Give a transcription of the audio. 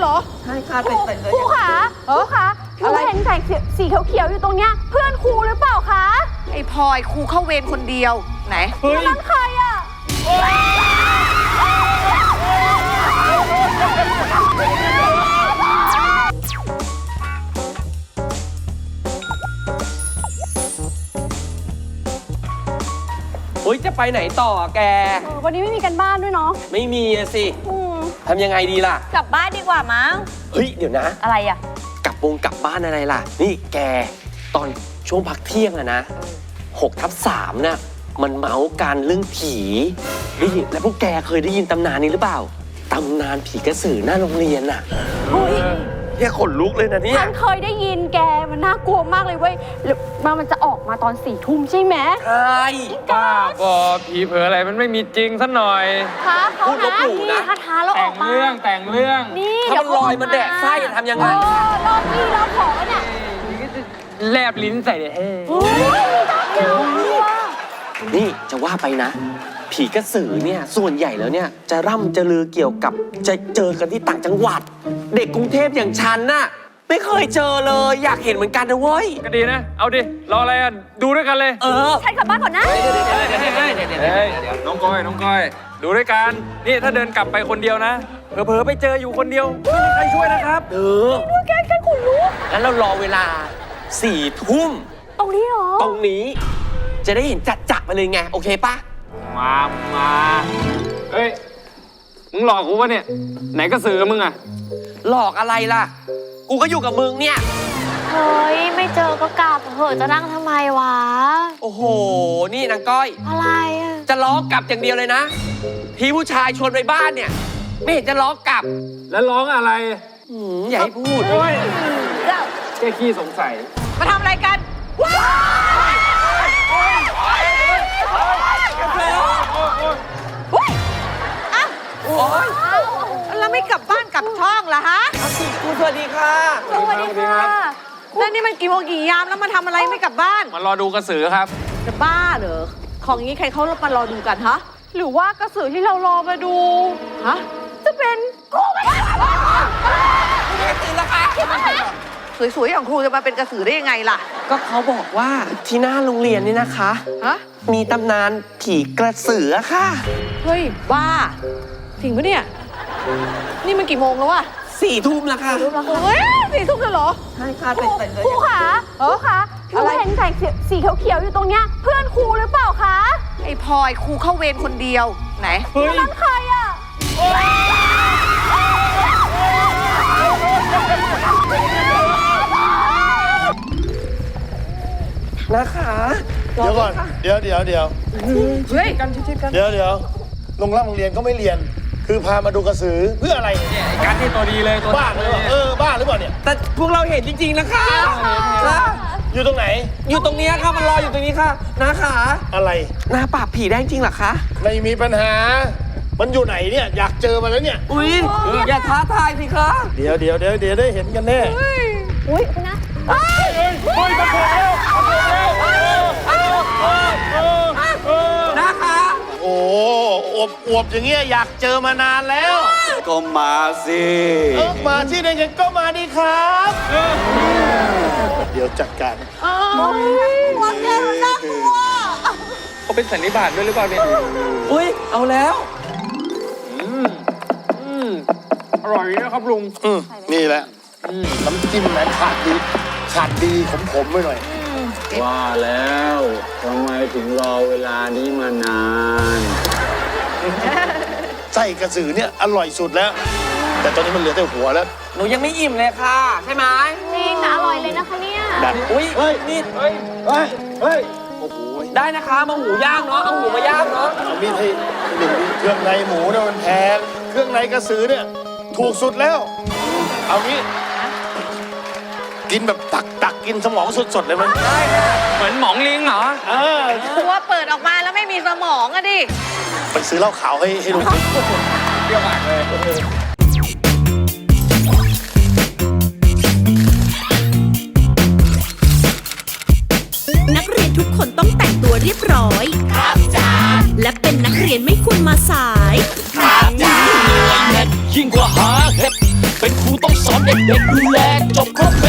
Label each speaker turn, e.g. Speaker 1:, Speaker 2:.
Speaker 1: เหรอ
Speaker 2: ใช่ค่ะใส่เลย
Speaker 3: ครูคะครูคะหนูเห็นใส่สีเขียวๆอยู่ตรงเนี้ยเพื่อนครูหรือเปล่าคะ
Speaker 1: ไอ้พลอยครูเข้าเวรคนเดียวไหน
Speaker 3: นั่นใครอ่ะ
Speaker 2: เฮ้ยจะไปไหนต่อแก
Speaker 3: วันนี้ไม่มีกันบ้านด้วยเนาะ
Speaker 2: ไม่มีอะสิทำยังไงดีล่ะ
Speaker 3: กลับบ้านดีกว่ามั้ง
Speaker 2: เฮ้ยเดี๋ยวนะ
Speaker 3: อะไรอ่ะ
Speaker 2: กลับบ้านอะไรล่ะ นี่แกตอนช่วงพักเที่ยงอะนะ6/3น่ะมันเมาส์การเรื่องผีได้ยินแล้วพวกแกเคยได้ยินตำนานนี้หรือเปล่าตำนานผีกระสือหน้าโรงเรียนน่ะเนี่ยขนลุกเลยนะเนี่ย
Speaker 3: ฉันเคยได้ยินแกมันน่ากลัวมากเลยเว้ยแล้วมันจะออกมาตอน4 ทุ่มใช่ไหม
Speaker 2: ใช่
Speaker 4: บ้าบอผีเผลออะไรมันไม่มีจริงสักหน่อย
Speaker 3: ท้าเขานะนี่ท้าแล้วอ
Speaker 4: แต่
Speaker 3: อง กมา
Speaker 4: เรื่องแต่งเรื่อง
Speaker 3: นี่
Speaker 2: ถ้ามันลอยมันแดกไส้ทำยังไง
Speaker 3: รอบพี่รอบขอเนี่ย
Speaker 4: แลบลิ้นใส่เลยเฮ้
Speaker 2: นี่จะว่าไปนะ ผีกระสือเนี่ยส่วนใหญ่แล้วเนี่ยจะร่ำจะลือเกี่ยวกับจะเจอกันที่ต่างจังหวัด เด็กกรุงเทพอย่างฉันน่ะไม่เคยเจอเลยอยากเห็นเหมือนกันนะเว้ย
Speaker 4: ก็ดีนะ เอาดิ รออะไรอ่ะ ดูด้วยกันเลย
Speaker 3: ฉันกลับบ้านก่อนนะ
Speaker 4: เฮ้ยน้องก้อย ดูด้วยกัน นี่ถ้าเดินกลับไปคนเดียวนะ เผลอๆไปเจออยู่คนเดียวไม่มีใครช่วยนะครับ
Speaker 3: แกขนลุก
Speaker 2: งั้นเรารอเวลา4 ทุ่ม
Speaker 3: ตรงนี้เหรอ
Speaker 2: ตรงนี้ จะได้เห็นจัดๆไปเลยไงโอเคปะ
Speaker 4: มาเฮ้ย มึงหลอกกูปะเนี่ย ไหนก็สือมึงอ่ะ
Speaker 2: หลอกอะไรล่ะ กูก็อยู่กับมึงเนี่ย
Speaker 3: เฮ้ยไม่เจอก็กลับเหอะจะนั่งทำไมวะ
Speaker 2: โอ้โหนี่นางก้อย
Speaker 3: อะไรอ่ะ
Speaker 2: จะล้อกลับอย่างเดียวเลยนะพี่ผู้ชายชวนไปบ้านเนี่ย ไม่เห็นจะล้อกลับ
Speaker 4: แล้วร้องอะไร
Speaker 2: อย่าให้พูด
Speaker 4: โอ้ยแค่ขี้สงสัย
Speaker 1: มาทำอะไรกันแล้วไม่กลับบ้านกลับช่องล่ะฮะ
Speaker 2: คุณสวัสดีค่ะ
Speaker 3: สวัสดีค่ะ
Speaker 1: แล้วนี่มันกี่โมงกี่ยามแล้วมาทำอะไรไม่กลับบ้าน
Speaker 4: มารอดูกระสือครับ
Speaker 1: จะบ้าเหรอของอย่างนี้ใครเขามารอดูกันฮะ
Speaker 3: หรือว่ากระสือที่เรารอมาดู
Speaker 1: ฮะ
Speaker 3: จะเป็นกูไม่ได้
Speaker 1: สวยๆอย่างครูจะมาเป็นกระสือได้ยังไงล่ะ
Speaker 2: ก็เขาบอกว่าที่หน้าโรงเรียนนี่นะคะ
Speaker 1: ฮะ
Speaker 2: มีตำนานผีกระสือค่ะ
Speaker 1: เฮ้ยบ้าจริงปะเนี่ยนี่มันกี่โมงแล้ววะ
Speaker 2: 4 ทุ่มแล้วค่ะ
Speaker 1: เฮ้ย4 ทุ่มแล้วเหรอ
Speaker 2: ใช่ค่ะใส่เลย
Speaker 3: ครูคะครูคะหนูเห็นใส่สีเขียวๆอยู่ตรงเนี้ยเพื่อนครูหรือเปล่าคะ
Speaker 1: ไอ้พลอยครูเข้าเวรคนเดียวไหน
Speaker 4: เฮ้ย
Speaker 3: นั่นใครอ่ะ
Speaker 2: นะคะ
Speaker 5: เดี๋ยวก่อน เดี๋ยว
Speaker 1: เฮ้ย
Speaker 5: โรงเรียนก็ไม่เรียน คือพามาดูกระสือเพื่ออะไรเนี่ย
Speaker 4: ไอ้การที่ตัวดีเลยตัว
Speaker 5: บ้าหรือเปล่าบ้าหรือเปล่าเนี่ย
Speaker 2: แต่พวกเราเห็นจริงๆนะคะค่ะ
Speaker 5: อยู่ตรงไหน
Speaker 2: อยู่ตรงนี้ค่ะมันรออยู่ตรงนี้ค่ะนะคะ
Speaker 5: อะไร
Speaker 2: หน้าปราบผีได้จริงเหรอคะ
Speaker 5: ไม่มีปัญหา มันอยู่ไหนเนี่ย อยากเจอมันแล้วเนี่ย
Speaker 2: อุ้ยอย่าท้าทายสิคะ
Speaker 5: เดี๋ยวได้เห็นกันแน่
Speaker 3: อุ้ยนะ
Speaker 2: นะคะ
Speaker 5: โอ้อวบอย่างเงี้ยอยากเจอมานานแล้ว
Speaker 6: ก็มาสิ
Speaker 5: มาที่ไหนกันก็มาดีครับ เดี๋ยวจัดการ
Speaker 4: เขาเป็นสันนิบาตด้วยหรือเปล่าเนี่ย
Speaker 2: อุ้ยเอาแล้ว
Speaker 4: อร่อยนะครับลุง
Speaker 5: นี่แหละน้ำจิ้มแหมขาดดีขมๆไปหน่อย
Speaker 6: ว่าแล้วทำไมถึงรอเวลานี้มานาน
Speaker 5: ไส้กระสือเนี่ยอร่อยสุดแล้ว แต่ตอนนี้มันเหลือแต่หัวแล้ว
Speaker 2: หนูยังไม่อิ่มเลยค่ะ ใช่ไหม
Speaker 3: จริงนะอร่อยเลยนะคะเนี่ย
Speaker 2: อุ้ยนี่
Speaker 5: เฮ้ย โอ้โห
Speaker 2: ได้นะคะมาหูย่างเนาะเอาหูมาย่างเนาะ
Speaker 5: เอามีดให้หนึ่งเครื่องในหมูเนี่ยมันแพงเครื่องในกระสือเนี่ยถูกสุดแล้ว เอางี้ กินแบบตักกินสมองสดๆเลยมั้ย
Speaker 4: เหมือนหมองลิงเหรอ
Speaker 1: ตัวเปิดออกมาแล้วไม่มีสมองอะดิ
Speaker 5: ไปซื้อเหล้าขาวให้ลุง
Speaker 4: เปรี้ยวมากเลย
Speaker 7: นักเรียนทุกคนต้องแต่งตัวเรียบร้อย ครับจ้าและเป็นนักเรียนไม่ควรมาสาย
Speaker 6: ยิ่งกว่าหาเห็ดเป็นครู
Speaker 8: เด็กๆดูแลจบครบ